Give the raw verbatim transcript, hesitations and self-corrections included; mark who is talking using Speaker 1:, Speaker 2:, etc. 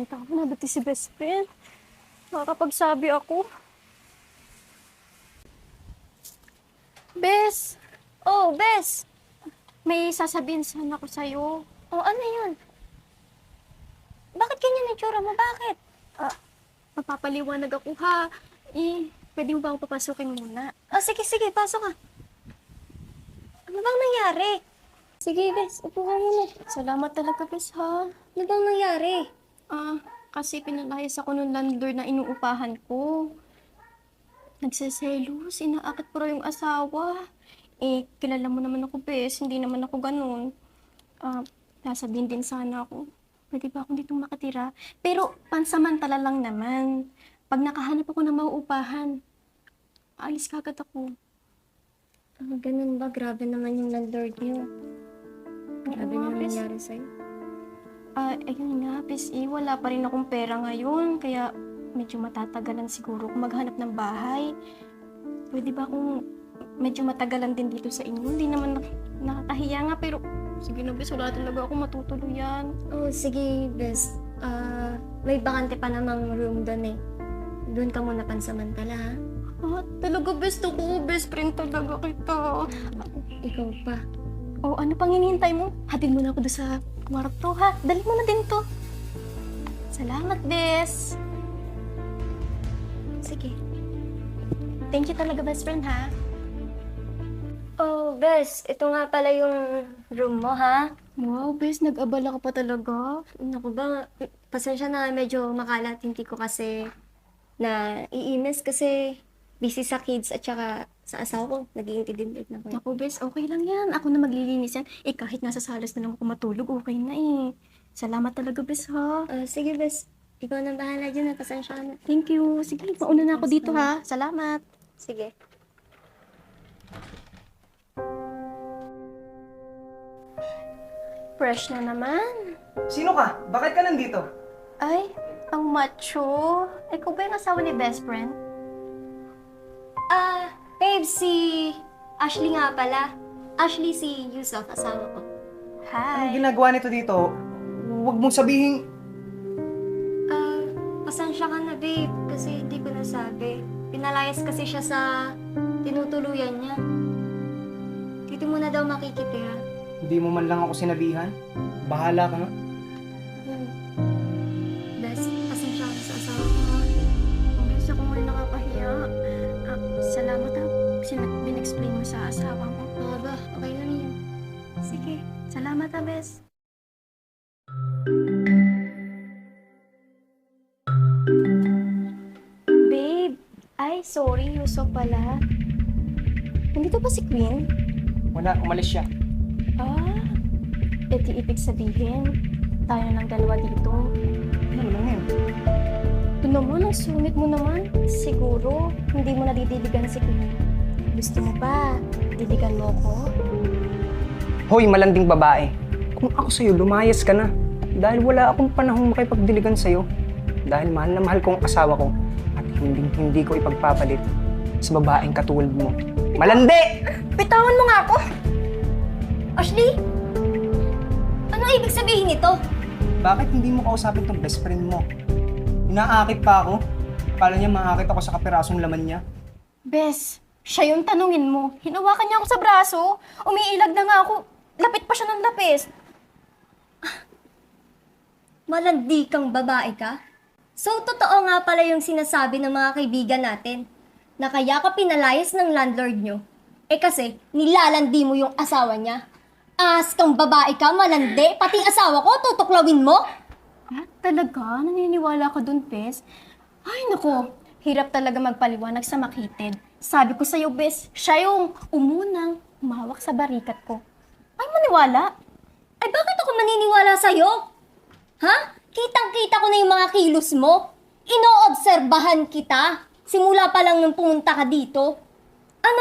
Speaker 1: Dalawang taon na dati si best friend. Makakapagsabi ako. Bes! Oh, Bes! May sasabihin sana ako sa'yo.
Speaker 2: Oh, ano yun? Bakit ganyan ang tsura mo? Bakit?
Speaker 1: Ah, magpapaliwanag ako ha. Eh, pwede mo ba akong papasukin muna?
Speaker 2: Oh, sige, sige, pasok ka. Ano bang nangyari? Sige, Bes, upo ka muna.
Speaker 1: Salamat talaga, Bes ha.
Speaker 2: Ano bang nangyari?
Speaker 1: Ah, kasi pinalayas ako ng landlord na inuupahan ko. Nagseselos, inaakit pa raw yung asawa. Eh, kilala mo naman ako, Bes. Hindi naman ako ganun. Ah, sasabihin din sana ako. Pwede ba akong ditong makatira? Pero, pansamantala lang naman. Pag nakahanap ako ng mauupahan, aalis kagad ako.
Speaker 2: Ah, ganun ba? Grabe naman yung landlord niyo. Grabe
Speaker 1: nga,
Speaker 2: naman
Speaker 1: Bes.
Speaker 2: nangyari sa'yo.
Speaker 1: Ah, ayun nga, Bes. Eh, wala pa rin akong pera ngayon. Kaya, medyo matatagalan siguro kung maghanap ng bahay. Pwede ba akong medyo matagalan din dito sa inyo? Hindi naman nak- nakakahiya nga, pero sige na, Bes, wala talaga ako matutuluyan.
Speaker 2: Oh, sige, Bes. Ah, may bakante pa namang room doon eh. Doon ka muna pansamantala, ha?
Speaker 1: Ah, talaga, Bes, ako, best friend talaga kita.
Speaker 2: Ikaw pa.
Speaker 1: Oh, ano pang hinihintay mo? Hatid mo na ako doon sa kwarto, ha? Dali mo na din to. Salamat, Bes.
Speaker 2: Sige.
Speaker 1: Thank you talaga, best friend, ha?
Speaker 2: Oh, Bes, ito nga pala yung room mo, ha?
Speaker 1: Wow, Bes, nag-abala ka pa talaga.
Speaker 2: Naku ba, pasensya na medyo makalat. Hindi ko kasi na iinis kasi busy sa kids at saka sa asawa ko. Nag-iintindi na ko.
Speaker 1: Naku, Bes, okay lang yan. Ako na maglilinis yan. Eh, kahit nasa salas na lang ako matulog, okay na eh. Salamat talaga, Bes, ha?
Speaker 2: Ah, sige, Bes. Ikaw na bahala dyan. Pasensya ka na.
Speaker 1: Thank you. Sige, mauna na ako dito, ha? Salamat.
Speaker 2: Sige.
Speaker 1: Fresh na naman.
Speaker 3: Sino ka? Bakit ka nandito?
Speaker 1: Ay, ang macho. Ikaw ba yung asawa ni best friend?
Speaker 2: Ah, babe, si Ashley nga pala. Ashley si Yusuf, asawa ko.
Speaker 3: Anong
Speaker 1: Hi.
Speaker 3: ginagawa nito dito? Huwag mong sabihin...
Speaker 2: Ah, pasensya ka na, babe, kasi hindi ko nasabi. Pinalayas kasi siya sa tinutuluyan niya. Dito muna daw makikitira.
Speaker 3: Hindi mo man lang ako sinabihan. Bahala ka nga.
Speaker 2: Hmm. Bes, pasensya ka na sa asawa ko, ha?
Speaker 1: Bes, ako nga nakakahiya. Ah, salamat ha. Sin- bin-explain mo sa asawa mo.
Speaker 2: Oo ba? Okay lang yan.
Speaker 1: Sige, salamat ha, Bes. Babe, ay sorry, Yusuf pala. Nandito ba si Queen?
Speaker 3: Wala, umalis siya.
Speaker 1: Ah, edi ibig sabihin, tayo ng dalawa dito.
Speaker 3: Ano lang yun?
Speaker 1: Ito naman, ang sungit mo naman. Siguro, hindi mo nadidiligan si Queen. Gusto mo ba? Diligan mo ko?
Speaker 3: Hoy, malanding babae. Kung ako sa'yo, lumayas ka na. Dahil wala akong panahong makipagdiligan sa'yo. Dahil mahal na mahal ko ang asawa ko. At hindi, hindi ko ipagpapalit sa babaeng katulad mo. Malandi!
Speaker 2: Bitawan mo nga ako! Ashley? Ano ibig sabihin nito?
Speaker 3: Bakit hindi mo kausapin tong best friend mo? Inaakit pa ako. Kala niya maakit ako sa kapirasong laman niya.
Speaker 1: Bes, siya yung tanungin mo. Hinawakan niya ako sa braso. Umiilag na nga ako. Lapit pa siya ng lapis.
Speaker 2: Malandi kang babae ka? So, totoo nga pala yung sinasabi ng mga kaibigan natin na kaya ka pinalayas ng landlord nyo. Eh kasi, nilalandi mo yung asawa niya. As kang babae ka, malandi, pati asawa ko, tutuklawin mo?
Speaker 1: Ah, talaga? Naniniwala ka dun, Bes? Ay, nako. Hirap talaga magpaliwanag sa makitid. Sabi ko sa'yo, Bes, siya yung umunang umawak sa barikat ko. Ay, maniwala.
Speaker 2: Ay, bakit ako maniniwala sa'yo? Ha? Kitang-kita ko na yung mga kilos mo. Inoobserbahan kita. Simula pa lang nung pumunta ka dito.